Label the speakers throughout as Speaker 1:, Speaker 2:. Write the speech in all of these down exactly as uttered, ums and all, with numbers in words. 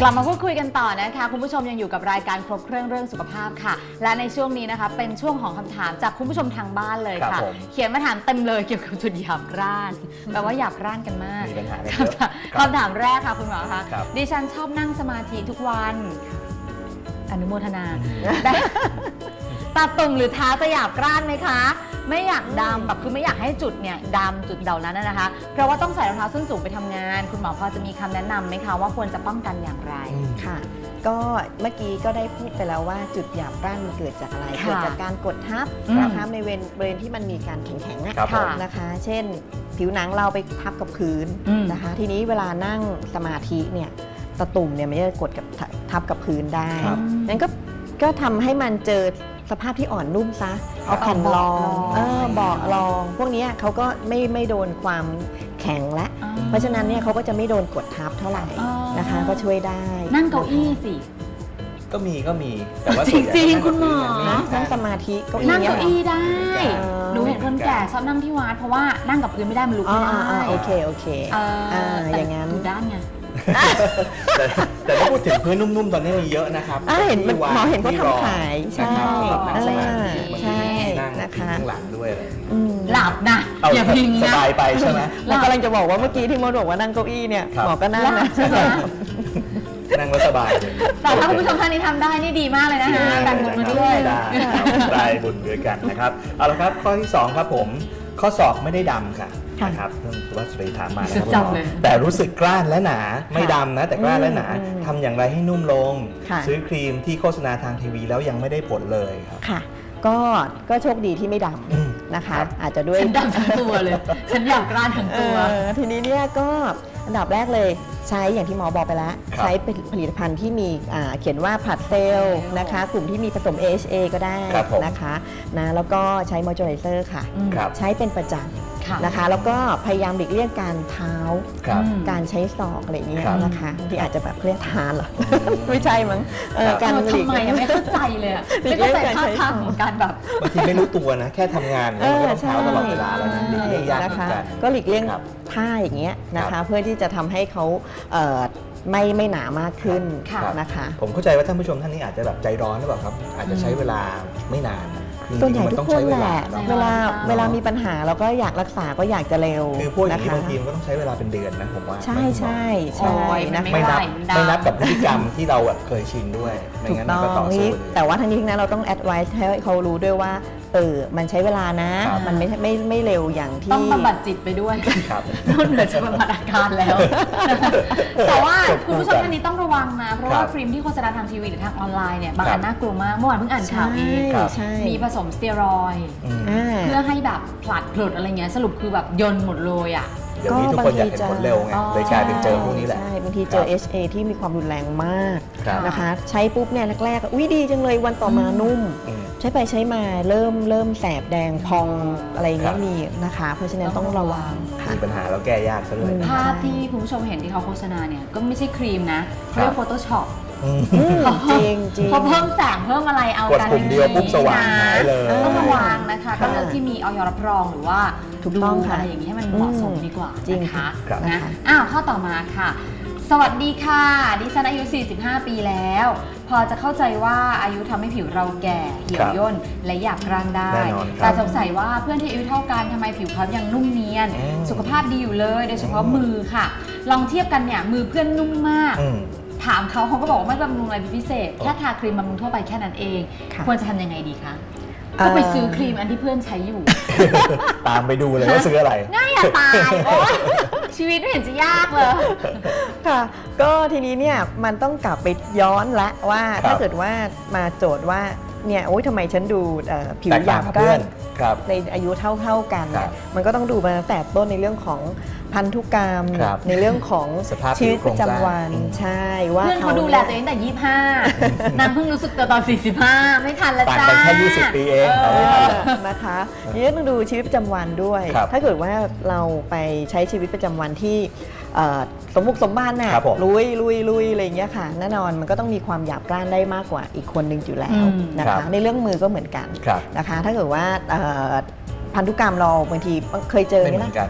Speaker 1: กลับมาพูดคุยกันต่อนะคะคุณผู้ชมยังอยู่กับรายการครบเครื่องเรื่องสุขภาพค่ะและในช่วงนี้นะคะเป็นช่วงของคำถามจากคุณผู้ชมทางบ้านเลยค่ะเขียนมาถามเต็มเลยเกี่ยวกับจุดหยาบกร้านแปลว่าหยาบกร้านกันมาก
Speaker 2: มีปัญหาเยอะ
Speaker 1: คำถามแรกค่ะคุณหมอคะดิฉันชอบนั่งสมาธิทุกวันอนุโมทนาตาตุ่มหรือเท้าจะหยาบกร้านไหมคะไม่อยากดำแบบคือไม่อยากให้จุดเนี่ยดำจุดเหล่านั้นนะคะเพราะว่าต้องใส่รองเท้าส้นสูงไปทำงานคุณหมอพอจะมีคำแนะนำไหมคะว่าควรจะป้องกันอย่างไร
Speaker 3: ค่ะก็เมื่อกี้ก็ได้พูดไปแล้วว่าจุดหยาบกร้านมันเกิดจากอะไรเกิดจากการกดทับนะคะในบริเวณที่มันมีการแข็งๆนะคะเช่นผิวหนังเราไปทับกับพื้นนะคะทีนี้เวลานั่งสมาธิเนี่ยตะตุ่มเนี่ยมันจะกดกับทับกับพื้นได้นั้นก็ก็ทำให้มันเจอสภาพที่อ่อนนุ่มซะเอาแผ่นรองเออเบาะรองพวกนี้เขาก็ไม่ไม่โดนความแข็งและเพราะฉะนั้นเนี่ยเขาก็จะไม่โดนกดทับเท่าไหร่นะคะก็ช่วยได้
Speaker 1: นั่งเก้าอี้สิ
Speaker 2: ก็มีก็มีแต่ว่า
Speaker 1: จริงๆคุณหมอ
Speaker 3: นั่งสมาธิก็
Speaker 1: นั่งเก้าอี้ได้หนูเห็นคนแก่ชอบนั่งที่วัดเพราะว่านั่งกับพื้นไม่ได้มันลุกไม่ได้
Speaker 3: โอเคโอเคอย่างงั้น
Speaker 1: ถูกด้านไง
Speaker 2: แต่แต่ถ้าพูดถึงพื้นนุ่มๆตอนนี้มีเยอะนะครับ
Speaker 3: เห็นหมอเห็นเขาทำขายใช่
Speaker 2: ใช่นะคะข้างหลังด้วยเลย
Speaker 1: หลับนะอย่าพิงนะ
Speaker 2: สบายไปใช่ไหม
Speaker 3: เรากำลังจะบอกว่าเมื่อกี้ที่มดบอกว่านั่งเก้าอี้เนี่ยหมอก็นั่งนะ
Speaker 2: นั่งแล้วสบาย
Speaker 1: แต่ถ้าคุณผู้ชมท่านนี้ทำได้นี่ดีมากเลยนะคะแต่งบุญมาด้วย
Speaker 2: ได้บุญด้วยกันนะครับเอาละครับข้อที่สองครับผมข้อศอกไม่ได้ดำค่ะนะครับเรื่องสุภาพสตรีถามมานะครับแต่รู้สึกกร้านและหนาไม่ดำนะแต่กร้านและหนาทำอย่างไรให้นุ่มลงซื้อครีมที่โฆษณาทางทีวีแล้วยังไม่ได้ผลเลยครับ
Speaker 3: ค่ะก็ก็โชคดีที่ไม่ดำนะคะอาจจะด้วย
Speaker 1: ฉันดำทั้งตัวเลยฉันอยากกร้านทั้งตัว
Speaker 3: ทีนี้เนี่ยก็อันดับแรกเลยใช้อย่างที่หมอบอกไปแล้วใช้ผลิตภัณฑ์ที่มีเขียนว่าผัดเซลล์นะคะกลุ่มที่มีผสม เอ เอช เอ ก็ได้นะคะนะแล้วก็ใช้มอยเจอไรเซอร์ค่ะใช้เป็นประจำนะคะแล้วก็พยายามหลีกเลี่ยงการเท้าการใช้ศอกอะไรอย่างเงี้ยนะคะที่อาจจะแบบเรียกทานหรอไม่ใช่มั้ง
Speaker 1: การหลีกทำไมไม่เข้าใจเลยไม่เข้าใจท่าทางของการแบบ
Speaker 2: บางทีไม่รู้ตัวนะแค่ทำงานก็ต้องเท้าตลอดเวลาแล้วนะหลีกเลี่ยงยากเหมือนกัน
Speaker 3: ก็หลีกเลี่ยงท่าอย่างเงี้ยนะคะเพื่อที่จะทำให้เขาไม่ไม่หนามากขึ้นนะคะ
Speaker 2: ผมเข้าใจว่าท่านผู้ชมท่านนี้อาจจะแบบใจร้อนหรือเปล่าครับอาจจะใช้เวลาไม่นาน
Speaker 3: ส่วนใหญ่ทุกคนแหละเวลาเวลามีปัญหาเราก็อยากรักษาก็อยากจะเร็ว
Speaker 2: คือพวกอย่างนี้บางทีมันก็ต้องใช้เวลาเป็นเดือนนะผมว่า
Speaker 3: ใช่ใช่ใช่
Speaker 2: นะไม่นับไม่นับกับพฤติกรรมที่เราแบบเคยชินด้วยไม่งั้นมันก็ต่อสู้
Speaker 3: แต่ว่าทั้งนี้ทั้งนั้นเราต้องแอดไวซ์ให้เขารู้ด้วยว่าเออมันใช้เวลานะมันไม่ไม่ไม่เร็วอย่างที่
Speaker 1: ต้องบำบัดจิตไปด้วยนอกเหนือจากบำบัดอาการแล้วแต่ว่าคุณผู้ชมท่านนี้ต้องระวังนะเพราะว่าครีมที่โฆษณาทางทีวีหรือทางออนไลน์เนี่ยบางอันน่ากลัวมากเมื่อวานเพิ่งอ่านข่าวเองมีผสมสเตียรอยด์เพื่อให้แบบผลัดผลุดอะไรเงี้ยสรุปคือแบบยนหมดเลยอ่ะ
Speaker 2: เดี๋ยวนี้ทุกคนอยากเห็นผลเร็วไงเลยกลายเป็นเจอพวกนี้แหละ
Speaker 3: ใช่บางทีเจอ เอช เอ ที่มีความรุนแรงมากนะคะใช้ปุ๊บเนี่ยแรกๆอุ้ยดีจังเลยวันต่อมานุ่มใช้ไปใช้มาเริ่มเริ่มแสบแดงพองอะไรเงี้ยมีนะคะเพราะฉะนั้นต้องระวัง
Speaker 2: มีปัญหาแล้วแก้ยากซะด้วย
Speaker 1: ภาพที่คุณผู้ชมเห็นที่เขาโฆษณาเนี่ยก็ไม่ใช่ครีมนะเขาเรียกโฟโต้ช็อป
Speaker 3: จริงจริง
Speaker 1: พอเพิ่มแสงเพิ่มอะไรเอา
Speaker 2: กันเดียวปุ๊บสว่างหายเลย
Speaker 1: ต้องระวังนะคะก็เลือกที่มีออยรับรองหรือว่าถูกต้องอะไรอย่างนี้ให้มันเหมาะสมดีกว่านะคะนะอ้าวข้อต่อมาค่ะสวัสดีค่ะดิฉันอายุสี่สิบห้าปีแล้วพอจะเข้าใจว่าอายุทำให้ผิวเราแก่เหี่ยวย่นและหยาบกร้านได้แต่สงสัยว่าเพื่อนที่อายุเท่ากันทำไมผิวเขายังนุ่มเนียนสุขภาพดีอยู่เลยโดยเฉพาะมือค่ะลองเทียบกันเนี่ยมือเพื่อนนุ่มมากถามเขาเขาก็บอกว่าไม่บำรุงอะไรพิเศษแค่ทาครีมบำรุงทั่วไปแค่นั้นเองควรจะทำยังไงดีคะก็ไปซื้อครีมอันที่เพื่อนใช้อยู่
Speaker 2: ตามไปดูเลยว่าซื้ออะไร
Speaker 1: ง่ายอย่าตายโอ๊ยชีวิตไม่เห็นจะยากเลย
Speaker 3: ค่ะก็ทีนี้เนี่ยมันต้องกลับไปย้อนละว่าถ้าเกิดว่ามาโจทย์ว่าเนี่ยโอ๊ยทำไมฉันดูผิวหยาบกร้านในอายุเท่าๆกันมันก็ต้องดูมาตั้งแต่ต้นในเรื่องของพันธุกรรมในเรื่องของชีวิตประจำวันใช่ว่า
Speaker 1: เพื่อนเขาดูแลตัวเองแต่ยี่สิบห้านางเพิ่งรู้สึกตัวตอนสี่สิบห้าไม่ทันแล้วจ้า
Speaker 2: ต่างกันแค่ยี่สิบปีเอง
Speaker 3: นะคะนี่ต้องดูชีวิตประจำวันด้วยถ้าเกิดว่าเราไปใช้ชีวิตประจำวันที่สมบุกสมบันน่ะลุยลุยลุยอะไรอย่างเงี้ยค่ะแน่นอนมันก็ต้องมีความหยาบกร้านได้มากกว่าอีกคนหนึ่งอยู่แล้วนะคะในเรื่องมือก็เหมือนกันนะคะถ้าเกิดว่าพันธุกรรมเราบางทีเคยเจอไหมล่ะ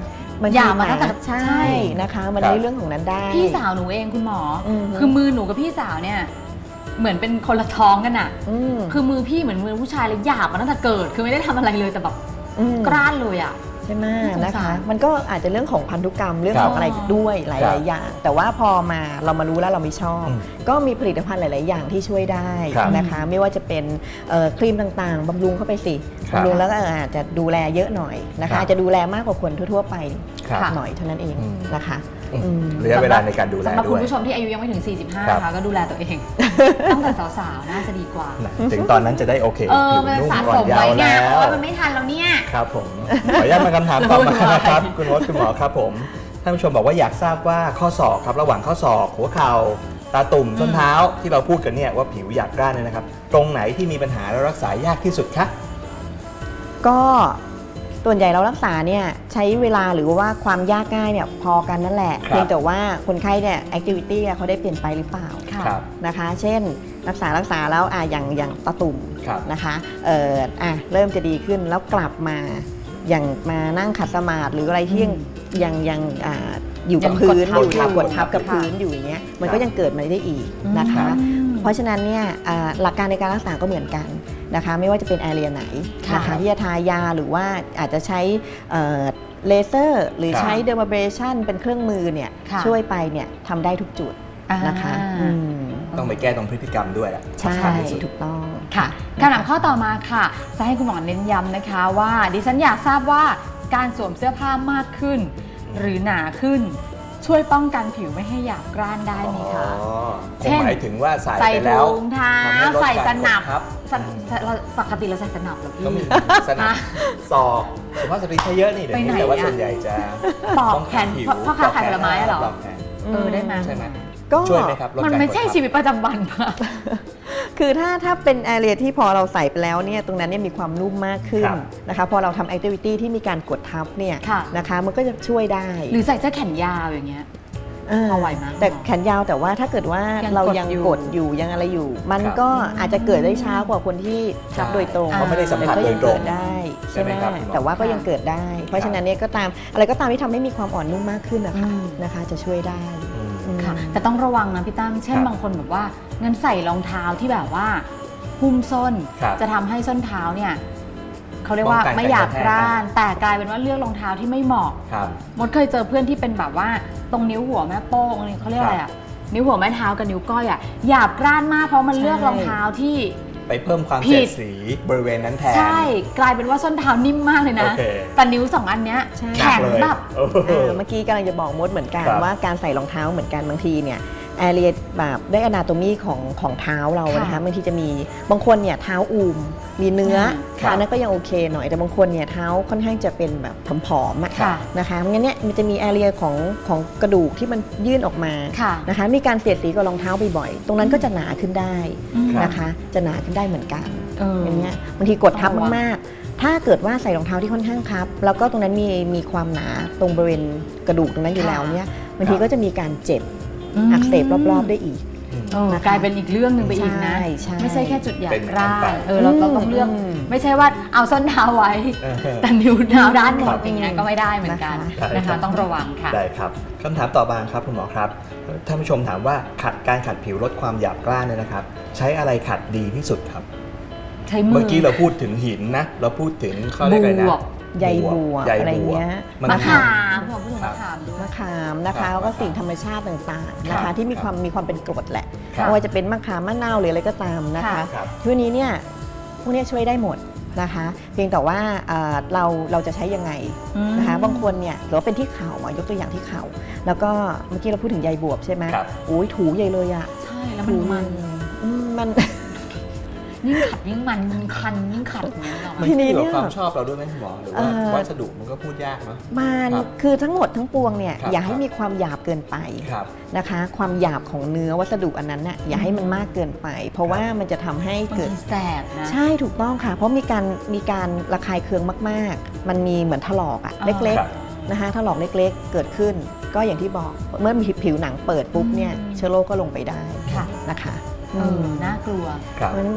Speaker 3: มัน
Speaker 1: หยาบมาตั้งแต่
Speaker 3: ใช่นะคะมันในเรื่องของนั้นได้
Speaker 1: พี่สาวหนูเองคุณหมอ
Speaker 3: อือฮึ
Speaker 1: คือมือหนูกับพี่สาวเนี่ยเหมือนเป็นคนละท้องกันอะ
Speaker 3: อืม
Speaker 1: คือมือพี่เหมือนมือผู้ชายเลยหยาบมาตั้งแต่เกิด คือไม่ได้ทำอะไรเลยแต่แบบ
Speaker 3: อืม
Speaker 1: กร้านเลยอะ
Speaker 3: ใช่ไหม
Speaker 1: สงสาร
Speaker 3: นะคะมันก็อาจจะเรื่องของพันธุกรรมเรื่อง
Speaker 2: ครับ
Speaker 3: ของอะไรด้วยห
Speaker 2: ครั
Speaker 3: ลาย
Speaker 2: บ
Speaker 3: ๆ อย่าง แต่ว่าพอมาเรามารู้แล้วเราไม่ชอบ
Speaker 2: อืม
Speaker 3: ก็มีผลิตภัณฑ์หลาย ๆ อย่างที่ช่วยได้
Speaker 2: ครับ
Speaker 3: นะคะไม่ว่าจะเป็นเอ่อครีมต่าง ๆบำรุงเข้าไปสิ
Speaker 2: ครับ
Speaker 3: บำรุงแล้วก็อาจจะดูแลเยอะหน่อยนะ
Speaker 2: ครั
Speaker 3: คะ
Speaker 2: บ
Speaker 3: อาจจะดูแลมากกว่าคนทั่ว ๆ ไป
Speaker 2: ครับ
Speaker 3: หน่อยเท่านั้นเอง
Speaker 2: อืม
Speaker 3: นะคะ
Speaker 2: อืม
Speaker 3: อืม
Speaker 2: ระยะเวลาในการดูแล
Speaker 1: สำหรับ
Speaker 2: ด้
Speaker 1: คุ
Speaker 2: ว
Speaker 1: ณ
Speaker 2: ย
Speaker 1: ผู้ชมที่อายุยังไม่ถึง สี่สิบห้า
Speaker 2: ครับ
Speaker 1: นะคะก็ดูแลตัวเอง ตั้งแต่สาวๆน่าจะดีกว่า
Speaker 2: นะถึงตอนนั้นจะได้โอเค
Speaker 1: เออ
Speaker 2: ผิว
Speaker 1: มัน
Speaker 2: นุ่ม
Speaker 1: สะ
Speaker 2: อ่อ
Speaker 1: ส
Speaker 2: น
Speaker 1: ม
Speaker 2: ยา
Speaker 1: ไว้
Speaker 2: ว
Speaker 1: ไง
Speaker 2: แล้
Speaker 1: เพราะ
Speaker 2: ว
Speaker 1: ว่ามันไม่ทันแล้วเนี่ย
Speaker 2: ครับผม ขออนุญาตมาคำถามต่อมานะครับ คุณมดคุณหมอครับผมท่านผู้ชมบอกว่าอยากทราบว่าข้อศอกครับระหว่างข้อศอกหัวเข่าตาตุ่มส้นเท้าที่เราพูดกันเนี่ยว่าผิวหยาบกร้านเนี่ยนะครับ ตรงไหนที่มีปัญหาและรักษายากที่สุดคะ
Speaker 3: ก็ส่วนใหญ่เรารักษาเนี่ยใช้เวลาหรือว่าความยากง่ายเนี่ยพอกันนั่นแหละ
Speaker 2: ครับ
Speaker 3: เพียงแต่ว่าคนไข้เนี่ยแอคทิวิตี้เขาได้เปลี่ยนไปหรือเปล่า
Speaker 1: ค่ะ
Speaker 2: ครับ
Speaker 3: นะคะ เช่น รักษารักษาแล้วอ่ะอย่างอย่างตาตุ่ม
Speaker 2: ครับ
Speaker 3: นะคะเอ่ออ่ะเริ่มจะดีขึ้นแล้วกลับมาอย่างมานั่งขัดสมาธิหรืออะไรที่ยังยังยังอ่าอยู่กับ
Speaker 1: ยัง
Speaker 3: พื้น
Speaker 1: กดทับ
Speaker 3: อยู่
Speaker 1: ทับ
Speaker 3: กดทับกับ
Speaker 1: ค่ะ
Speaker 3: พื้นอยู่อย่างเงี้ยมัน
Speaker 2: ค
Speaker 3: ก็
Speaker 2: รับ
Speaker 3: ยังเกิดมาได้อีกนะคะ
Speaker 1: อืม
Speaker 3: เพราะฉะนั้นเนี่ยอ่าหลักการในการรักษาก็เหมือนกันนะคะไม่ว่าจะเป็นแอเรียไหนนะ
Speaker 1: ค่ะ
Speaker 3: คะที่จะทายาหรือว่าอาจจะใช้เอ่อเลเซอร์หรือ
Speaker 2: ครับ
Speaker 3: ใช้เดอร์มาเบรชันเป็นเครื่องมือเนี่ย
Speaker 1: ค่ะ
Speaker 3: ช่วยไปเนี่ยทำได้ทุกจุดนะคะ
Speaker 1: อ่า
Speaker 3: อืม
Speaker 2: ต้องไปแก้ตรงพฤติกรรมด้วยแหละ
Speaker 3: ใช่
Speaker 2: สำคัญที่สุด
Speaker 3: ถูกต้อง
Speaker 1: ค่ะคำถามข้อต่อมาค่ะ จะให้คุณหมอเน้นย้ำนะคะว่า ดิฉันอยากทราบว่าการสวมเสื้อผ้ามากขึ้น หรือหนาขึ้น ช่วยป้องกันผิวไม่ให้หยาบกร้านได้ไหมคะ
Speaker 2: อ๋อค
Speaker 1: เช่
Speaker 2: ง
Speaker 1: น
Speaker 2: หมายถึงว่าใส่
Speaker 1: ใส่
Speaker 2: ไปแล้ว
Speaker 1: ถุงเท้า
Speaker 2: ทำให้ลด
Speaker 1: ใส่ส
Speaker 2: การ
Speaker 1: นับ
Speaker 2: กดทับ
Speaker 1: สนเราปกติเราใส่สนับเหรอพี่
Speaker 2: ก็มีสนับศอกสุภาพสตรีใช้เยอะนี่เดี๋ยว
Speaker 1: ไป
Speaker 2: นี้
Speaker 1: ไหน
Speaker 2: แต่ว่า
Speaker 1: อะ
Speaker 2: ส่วนใหญ่จะ
Speaker 1: ปอก
Speaker 2: ป้ง
Speaker 1: แข
Speaker 2: กัน
Speaker 1: น
Speaker 2: ผิว
Speaker 1: พ่อค้าขายผลไม้เหรอ
Speaker 2: ปอกแขน
Speaker 1: เออได้ไหม
Speaker 2: ใช่ไหม
Speaker 3: ก็
Speaker 2: ช่วยไหมครับลด
Speaker 1: มัน
Speaker 2: การ
Speaker 1: ไม่ใช่
Speaker 2: กดทับ
Speaker 1: ชีวิตประจำวันปะ
Speaker 3: คือถ้าถ้าเป็นแอเรียที่พอเราใส่ไปแล้วเนี่ยตรงนั้นเนี่ยมีความนุ่มมากขึ้น
Speaker 2: ครับ
Speaker 3: นะคะพอเราทำแอคทิวิตี้ที่มีการกดทับเนี่ย
Speaker 1: ค่ะ
Speaker 3: นะคะมันก็จะช่วยได้
Speaker 1: หรือใส่เสื้อแขนยาวอย่างเงี้ย
Speaker 3: า
Speaker 1: พอไหวไหม
Speaker 3: แต่แขนยาวแต่ว่าถ้าเกิดว่า
Speaker 1: ยัง
Speaker 3: เรา
Speaker 1: กด
Speaker 3: ยัง
Speaker 1: อยู่
Speaker 3: กดอยู่ยังอะไรอยู่ มัน
Speaker 2: ครับ
Speaker 3: ก็อาจจะเกิดได้ช้ากว่าคนที่ทับโดยตรง
Speaker 2: เพราะไม่ได้สัมผัส
Speaker 3: แต่ก็
Speaker 2: โด
Speaker 3: ยั
Speaker 2: ย
Speaker 3: ง
Speaker 2: ตร
Speaker 3: เกิ
Speaker 2: ง
Speaker 3: ดได้
Speaker 2: ใช่
Speaker 3: ใช่
Speaker 2: ไห
Speaker 3: ไห
Speaker 2: ม
Speaker 3: ม
Speaker 2: ครับคุณหมอ
Speaker 3: แต่ว่าก็ยังเกิดได้ เพราะฉะนั้นเนี่ยก็ตามอะไรก็ตามที่ทำให้มีความอ่อนนุ่มมากขึ้นนะคะ
Speaker 1: อืม
Speaker 3: นะคะจะช่วยได้
Speaker 2: อืม
Speaker 3: อืม
Speaker 1: ค่ะแต่ต้องระวังนะพี่ตั้มเช่น
Speaker 2: ครับ
Speaker 1: บางคนแบบว่างั้นใส่รองเท้าที่แบบว่าหุ้มส้น
Speaker 2: ครับ
Speaker 1: จะทำให้ส้นเท้าเนี่ยเขาเรียกว่า
Speaker 2: ป้องกัน
Speaker 1: ไม่อยาก
Speaker 2: การกระแทก
Speaker 1: กร้าน แต่กลายเป็นว่าเลือกรองเท้าที่ไม่เหมาะ
Speaker 2: ครับ
Speaker 1: มดเคยเจอเพื่อนที่เป็นแบบว่าตรงนิ้วหัวแม่โป้งนี่เขาเรียกอะไรอะนิ้วหัวแม่เท้ากับนิ้วก้อยอะหยาบกร้านมากเพราะมันเลือกรองเท้าที่
Speaker 2: ไปเพิ่มความ
Speaker 1: ผิ
Speaker 2: เสีย
Speaker 1: ด
Speaker 2: ดสีบริเวณนั้นแทน
Speaker 1: ใช่กลายเป็นว่าส้นเท้านิ่มมากเลยนะ
Speaker 2: โอเค
Speaker 1: แต่นิ้วสองอันเนี้ย
Speaker 3: ใช่
Speaker 1: แข็ง
Speaker 2: หนักเลย
Speaker 1: แบบ
Speaker 2: โอ้โห
Speaker 3: เออเมื่อกี้กำลังจะบอกมดเหมือนกัน
Speaker 2: ครับ
Speaker 3: ว่าการใส่รองเท้าเหมือนกันบางทีเนี่ยแอเรียแบบได้อนาโตมีของของเท้าเรา
Speaker 1: ค่ะ
Speaker 3: นะคะบางทีจะมีบางคนเนี่ยเท้าอูมมีเนื้อ
Speaker 2: ครับ
Speaker 3: อันนั้นก็ยังโอเคหน่อยแต่บางคนเนี่ยเท้าค่อนข้างจะเป็นแบบผอมๆอะ
Speaker 1: ค่ะ
Speaker 3: นะคะงั้นเนี่ยมันจะมีแอเรียของของกระดูกที่มันยื่นออกมา
Speaker 1: ค่ะ
Speaker 3: นะคะมีการเสียดสีกับรองเท้าบ่อยๆตรงนั้นก็จะหนาขึ้นได้
Speaker 1: อืม
Speaker 3: นะคะจะหนาขึ้นได้เหมือนกัน
Speaker 1: เออ
Speaker 3: อย่างเงี้ยบางทีกดทับ
Speaker 1: ระวัง
Speaker 3: มากๆ ถ้าเกิดว่าใส่รองเท้าที่ค่อนข้างคับ แล้วก็ตรงนั้นมีมีความหนาตรงบริเวณกระดูกตรงนั้นอยู่แล้วเนี่ยบางทีก็จะมีการเจ็บอักเสบรอบๆได้อีก
Speaker 1: เออ
Speaker 3: นะคะ
Speaker 1: กลายเป็นอีกเรื่องหนึ่งไปอีกนะ
Speaker 3: ใช่ใช่
Speaker 1: ไม่ใช่แค่จุดหยาบ
Speaker 2: เป็น
Speaker 1: กร้า
Speaker 2: ไป
Speaker 1: นเออเราเราต้องเลือก
Speaker 3: อืม
Speaker 1: ไม่ใช่ว่าเอาส้นเท้าไว้
Speaker 2: เออ
Speaker 1: แต่นิ้วเท้าด้านหม
Speaker 2: ครั
Speaker 1: ด
Speaker 2: บ
Speaker 1: อย่างเงี้ยก็ไม่ได้เหมือนกัน
Speaker 2: ได้
Speaker 1: นะ
Speaker 2: ครั
Speaker 1: คะ
Speaker 2: บ
Speaker 1: ต้องระวังค่ะ
Speaker 2: ได้ครับคำถามต่อมาครับคุณหมอครับท่านผู้ชมถามว่าขัดการขัดผิวลดความหยาบกร้านเนี่ยนะครับ ใช้อะไรขัดดีที่สุดครับ
Speaker 1: ใช้มือ
Speaker 2: เมื่อกี้เราพูดถึงหินนะ เราพูดถึงเขาเรียกอะไรนะ
Speaker 1: บวบ
Speaker 3: ใยบัว
Speaker 2: ใย
Speaker 3: อะไร
Speaker 2: บัว
Speaker 3: เงี้ย
Speaker 2: มัน
Speaker 1: มะ
Speaker 2: คือ
Speaker 1: ขามผมพูดถึงมะขามด้วย
Speaker 3: มะขามนะ
Speaker 2: ครั
Speaker 3: คะ
Speaker 2: บ
Speaker 3: แล้วก็สิ่งธรรมชาติต่างๆนะ
Speaker 2: ครั
Speaker 3: คะ
Speaker 2: บ
Speaker 3: ที่มีความมีความเป็นกรดแหละ
Speaker 2: ครับ
Speaker 3: ไม่ว่าจะเป็นมะขามมะนาวหรืออะไรก็ตามนะคะ
Speaker 1: ค่ะ
Speaker 2: ครับ
Speaker 3: ทีนี้เนี่ยพวกเนี้ยช่วยได้หมดนะคะ เพียงแต่ว่าเอ่อเราเราจะใช้ยังไง
Speaker 1: อืม
Speaker 3: นะคะบางคนเนี่ยหรือว่าเป็นที่เข่าอ่ะยกตัวอย่างที่เข่าแล้วก็เมื่อกี้เราพูดถึงใยบวบใช่ไหม
Speaker 2: ครับ
Speaker 3: โอ้ยถูใหญ่เลยอ่ะ
Speaker 1: ใช่แล้วมันมัน
Speaker 3: อืมมัน
Speaker 1: ยิ่งขัดยิ่งมันยิ่งคันยิ่งขัดอย่างเงี้ยหรอ
Speaker 2: มัน
Speaker 3: ทีนี้
Speaker 2: ขึ้น
Speaker 3: เนี่
Speaker 2: กับ
Speaker 3: ย
Speaker 2: ความชอบเราด้วยไหมคุณหมอหรือว่า
Speaker 3: เอ่อ
Speaker 2: วัสดุมันก็พูดยากเนาะ
Speaker 3: มัน
Speaker 2: ครับ
Speaker 3: คือทั้งหมดทั้งปวงเนี่ย
Speaker 2: ครับ
Speaker 3: อย่าให้มีความหยาบเกินไป
Speaker 2: ครับ
Speaker 3: นะคะ ความหยาบของเนื้อวัสดุอันนั้นน่ะอย่าให้มันมากเกินไป เพราะว่ามันจะทำให้
Speaker 1: บาง
Speaker 3: เกิด
Speaker 1: ทีแสบนะ
Speaker 3: ใช่ถูกต้องค่ะ เพราะมีการมีการระคายเคืองมากๆ มันมีเหมือนถลอกอะ
Speaker 1: อ่า
Speaker 3: เล็ก
Speaker 2: ครับ
Speaker 3: ๆนะคะถลอกเล็กๆ เกิดขึ้น ก็อย่างที่บอกเมื่อมีผิวหนังเปิดปุ๊บเนี่ย
Speaker 1: อืม
Speaker 3: เชื้อโรคก็ลงไปได้
Speaker 1: ค่ะ
Speaker 3: นะคะ
Speaker 1: เออน่ากลัว
Speaker 2: ครับ
Speaker 3: เพราะฉะนั้น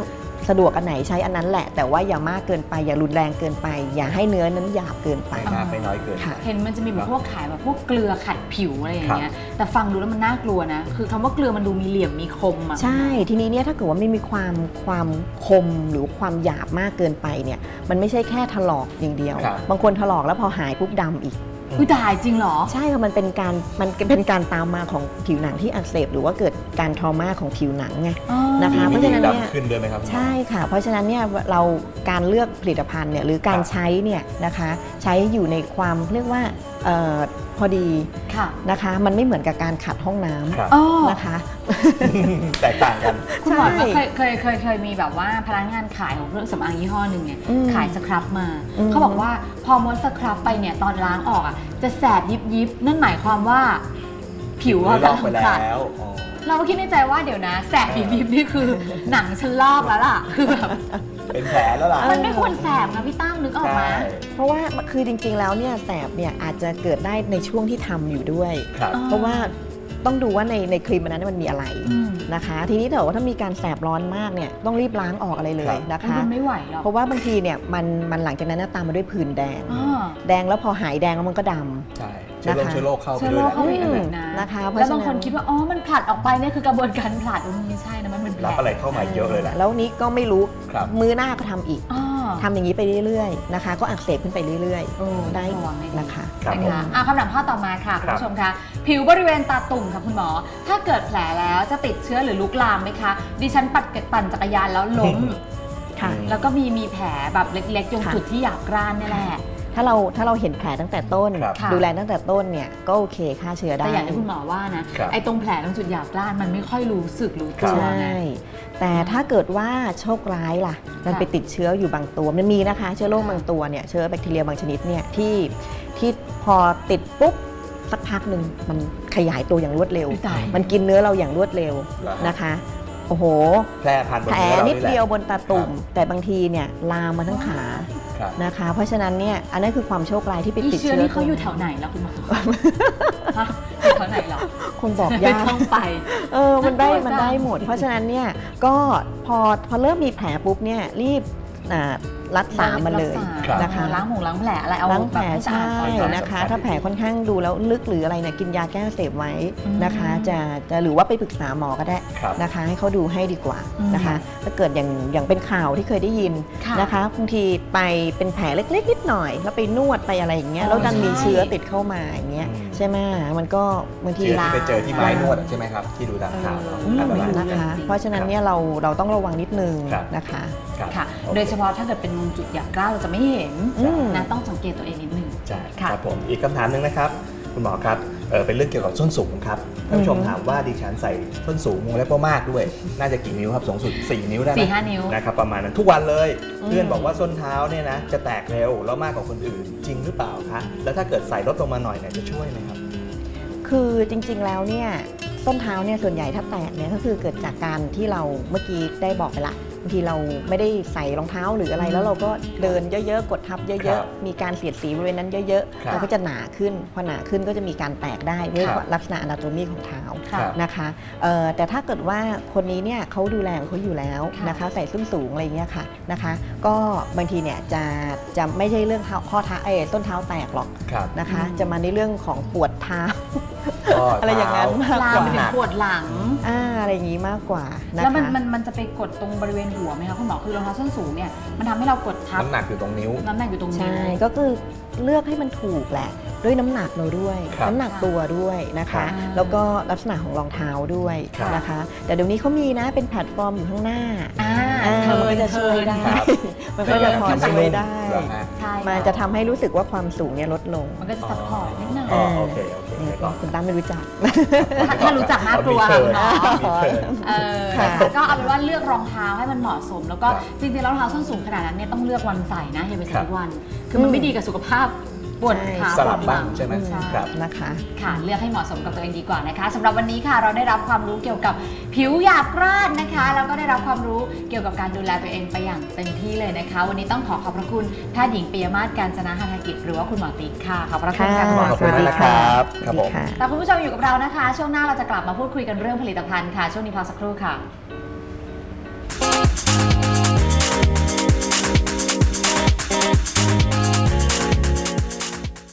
Speaker 3: สะดวกอันไหนใช้อันนั้นแหละแต่ว่าอย่ามากเกินไปอย่ารุนแรงเกินไป อย่าให้เนื้อนั้นหยาบเกินไป
Speaker 2: ไม่มากไม่น้อยเกิน
Speaker 1: เห็นมันจะมีแบบพวกขายแบบพวกเกลือขัดผิวอะไรอย่างเงี้ยแต่ฟังดูแล้วมันน่ากลัวนะคือคำว่าเกลือมันดูมีเหลี่ยมมีคมอ่ะ
Speaker 3: ใช่ทีนี้เนี่ยถ้าเกิดว่าไม่มีความความคมหรือความหยาบมากเกินไปเนี่ยมันไม่ใช่แค่ถลอกอย่างเดียวบางคนถลอกแล้วพอหายปุ๊บดำอีก
Speaker 1: อุ้ยตายจริงเหรอ
Speaker 3: ใช่ค่ะมันเป็นการมันเป็นการตามมาของผิวหนังที่อักเสบหรือว่าเกิดการทรมาของผิวหนังไงนะคะเพราะฉะนั้นเนี่ย
Speaker 2: ขึ้นด้วยไหมครับ
Speaker 3: ใช่ค่ะเพราะฉะนั้นเนี่ยเราการเลือกผลิตภัณฑ์เนี่ยหรือการใช้เนี่ยนะคะใช้อยู่ในความเรียกว่าพอดีนะคะมันไม่เหมือนกับการขัดห้องน้ำนะคะ
Speaker 2: แตกต่างกัน
Speaker 1: คุณหมอเคยเคยเคยเคยมีแบบว่าพนักงานขายของเครื่องสำอางยี่ห้อหนึ่งเนี่ยขายสครับมาเขาบอกว่าพอมดสครับไปเนี่ยตอนล้างออกอ่ะจะแสบยิบยิบนั่นหมายความว่าผิว
Speaker 2: ลอกไปแล้ว
Speaker 1: เราก็คิดในใจว่าเดี๋ยวนะแสบยิบยิบนี่คือหนังฉันลอกแล้วล่ะคือแบบ
Speaker 2: เป็นแผลแล้วล่ะ
Speaker 1: มันไม่ควรแสบนะพี่ตั้มนึกออกมา
Speaker 3: เพราะว่าคือจริงๆแล้วเนี่ยแสบเนี่ยอาจจะเกิดได้ในช่วงที่ทำอยู่ด้วยเพราะว่าต้องดูว่าในในครีมนั้นมันมีอะไรนะคะทีนี้ถ้าว่าถ้ามีการแสบร้อนมากเนี่ยต้องรีบล้างออกอะไรเลยนะคะ
Speaker 1: มันไม่ไหวหรอก
Speaker 3: เพราะว่าบางทีเนี่ยมันมันหลังจากนั้นตามมาด้วยผื่นแดงแดงแล้วพอหายแดงแล้วมันก็ดำ
Speaker 2: ใช่เชื้อโรคเข้าไปด้วย
Speaker 3: นะคะ
Speaker 1: แล้วบางคนคิดว่าอ๋อมันผลัดออกไปเนี่ยคือกระบวนการผลัดมันไม่ใช่นะมันเป็นแผล
Speaker 2: รับอะไรเข้ามาเยอะเลยแหละ
Speaker 3: แล้วนี้ก็ไม่รู้มือหน้าก็ทำอีกทำอย่างนี้ไปเรื่อยๆนะคะก็อักเสบขึ้นไปเรื่อยๆได้นะคะ
Speaker 1: นะคะคำถามข้อต่อมาค่ะคุณผู้ชมคะผิวบริเวณตาตุ่มค่ะคุณหมอถ้าเกิดแผลแล้วจะติดเชื้อหรือลุกลามไหมคะดิฉันปัดปั่นจักรยานแล้วล้มแล้วก็มีมีแผลแบบเล็กๆตรงจุดที่หยาบกร้านนี่แหละ
Speaker 3: ถ้าเราถ้าเราเห็นแผลตั้งแต่ต้นดูแลตั้งแต่ต้นเนี่ยก็โอเคฆ่าเชื้อได้
Speaker 1: แต่อย่างที่คุณหมอว่านะไอ้ตรงแผลตรงจุดหยาบกร้านมันไม่ค่อยรู้สึกรู้ตัว
Speaker 3: ใช่แต่ถ้าเกิดว่าโชคร้ายล่ะมันไปติดเชื้ออยู่บางตัวมันมีนะคะเชื้อโรคบางตัวเนี่ยเชื้อแบคทีเรียบางชนิดเนี่ยที่ที่พอติดปุ๊บสักพักหนึ่งมันขยายตัวอย่างรวดเร็วมันกินเนื้อเราอย่างรวดเร็วนะคะโอ้โห
Speaker 2: แผลพันบน
Speaker 3: แผลนิดเดียวบนตาตุ่มแต่บางทีเนี่ยลามมาทั้งขานะคะเพราะฉะนั้นเนี่ยอันนั้นคือความโชคร้ายที่ไปติดเชื้อ
Speaker 1: นี่เขาอยู่แถวไหนแล้วคุณหมออยู่แถวไหนหรอ
Speaker 3: คงบอกยาก
Speaker 1: ต้องไป
Speaker 3: เออมันได้มันได้หมดเพราะฉะนั้นเนี่ยก็พอพอเริ่มมีแผลปุ๊บเนี่ยรีบรักษามันเลยนะคะ
Speaker 1: ล้างหงล้างแผลอะไรเอา
Speaker 3: ล้างแผลใช่นะคะถ้าแผลค่อนข้างดูแล้วลึกหรืออะไรเนี่ยกินยาแก้อักเสบไว้นะคะจะจะหรือว่าไปปรึกษาหมอก็ได้นะคะให้เขาดูให้ดีกว่านะคะถ้าเกิดอย่างอย่างเป็นข่าวที่เคยได้ยินนะคะบางทีไปเป็นแผลเล็กๆนิดหน่อยแล้วไปนวดไปอะไรอย่างเงี้ยแล้วดันมีเชื้อติดเข้ามาอย่างเงี้ยใช่ไหมมันก็บางที
Speaker 2: ที่ไปเจอที่ไม้นวดใช่ไหมครับที่ดูตามข่าว
Speaker 3: นะคะเพราะฉะนั้นเนี่ยเราเราต้องระวังนิดนึงนะคะ
Speaker 1: ค่ะโดยเฉพาะถ้าเกิดเป็นจุดหยาบกร้านเราจะไม่เห็นนะต้องสังเกตตัวเองนิดนึง
Speaker 2: ใช่ครับผมอีกคำถามหนึ่งนะครับคุณหมอครับเออเป็นเรื่องเกี่ยวกับส้นสูงครับท่านผู้ชมถามว่าดิฉันใส่ส้นสูงวงเล็บมากด้วยน่าจะกี่นิ้วครับสูงสุดสี่นิ้วได้ไหม
Speaker 1: สี่ห้านิ้ว
Speaker 2: นะครับประมาณนั้นทุกวันเลยเพื่อนบอกว่าส้นเท้าเนี่ยนะจะแตกเร็วแล้วมากกว่าคนอื่นจริงหรือเปล่าคะแล้วถ้าเกิดใส่ลดลงมาหน่อยเนี่ยจะช่วยไหมครับ
Speaker 3: คือจริงๆแล้วเนี่ยส้นเท้าเนี่ยส่วนใหญ่ถ้าแตกเนี่ยก็คือเกิดจากการที่เราเมื่อกี้ได้บอกไปละบางทีเราไม่ได้ใส่รองเท้าหรืออะไรแล้วเราก็เดินเยอะๆกดทับเยอะๆมีการเสียดสีบริเวณนั้นเยอะๆเราก็จะหนาขึ้นพอหนาขึ้นก็จะมีการแตกได้ด้วยลักษณะอนาโตมีของเท้านะคะแต่ถ้าเกิดว่าคนนี้เนี่ยเขาดูแลของเขาอยู่แล้วนะคะใส่ส้นสูงอะไรเงี้ยค่ะนะคะก็บางทีเนี่ยจะจะไม่ใช่เรื่องข้อเท้าเอส้นเท้าแตกหรอกนะคะจะมาในเรื่องของปวดเท้าอะไรอย่างนั้น
Speaker 1: มากกว่าปวดหลัง
Speaker 3: อ่าอะไรอย่างนี้มากกว่า
Speaker 1: แล้วมันมันมันจะไปกดตรงบริเวณหัวไหมคะคุณหมอคือรองเท้าส้นสูงเนี่ยมันทำให้เรากดทับ
Speaker 2: น้ำหนักอยู่ตรงนิ้ว
Speaker 1: น้ำหนักอยู่ตรงนิ้ว
Speaker 3: ใช่ก็คือเลือกให้มันถูกแหละด้วยน้ำหนักเราด้วยน้ำหนักตัวด้วยนะคะแล้วก็ลักษณะของรองเท้าด้วยนะคะแต่เดี๋ยวนี้เขามีนะเป็นแพลตฟอร์มอยู่ข้างหน้ามันก็จะช่วยได้มันก็จะพอช่วยได้มันจะทำให้รู้สึกว่าความสูงเนี่ยลดลง
Speaker 1: มันก็จะซัพพอร์ตนิดนึง
Speaker 2: โอเคโอเค
Speaker 3: คุณตั้มไม่รู้จัก
Speaker 1: ถ้ารู้จักน่ากลัวเนาะก็เอาเป็นว่าเลือกรองเท้าให้มันเหมาะสมแล้วก็จริงๆรองเท้าส้นสูงขนาดนั้นเนี่ยต้องเลือกวันใส่นะอย่าไปใส่ทุกวันคือมันไม่ดีกับสุขภาพปวดขา
Speaker 2: สลับบ้างใช่ไหมครับ
Speaker 3: นะคะ
Speaker 1: ค่ะเลือกให้เหมาะสมกับตัวเองดีกว่านะคะสำหรับวันนี้ค่ะเราได้รับความรู้เกี่ยวกับผิวหยาบกร้านนะคะแล้วก็ได้รับความรู้เกี่ยวกับการดูแลตัวเองไปอย่างเต็มที่เลยนะคะวันนี้ต้องขอขอบพระคุณแพทย์หญิงปิยมาศ กาญจนา หฤกิจหรือว่าคุณหมอติ๊กค่ะขอบพระคุณค่ะ
Speaker 2: ขอบคุณนะครับครับผม
Speaker 1: แต่คุณผู้ชมอยู่กับเรานะคะช่วงหน้าเราจะกลับมาพูดคุยกันเรื่องผลิตภัณฑ์ค่ะช่วงนี้พักสักครู่ค่ะ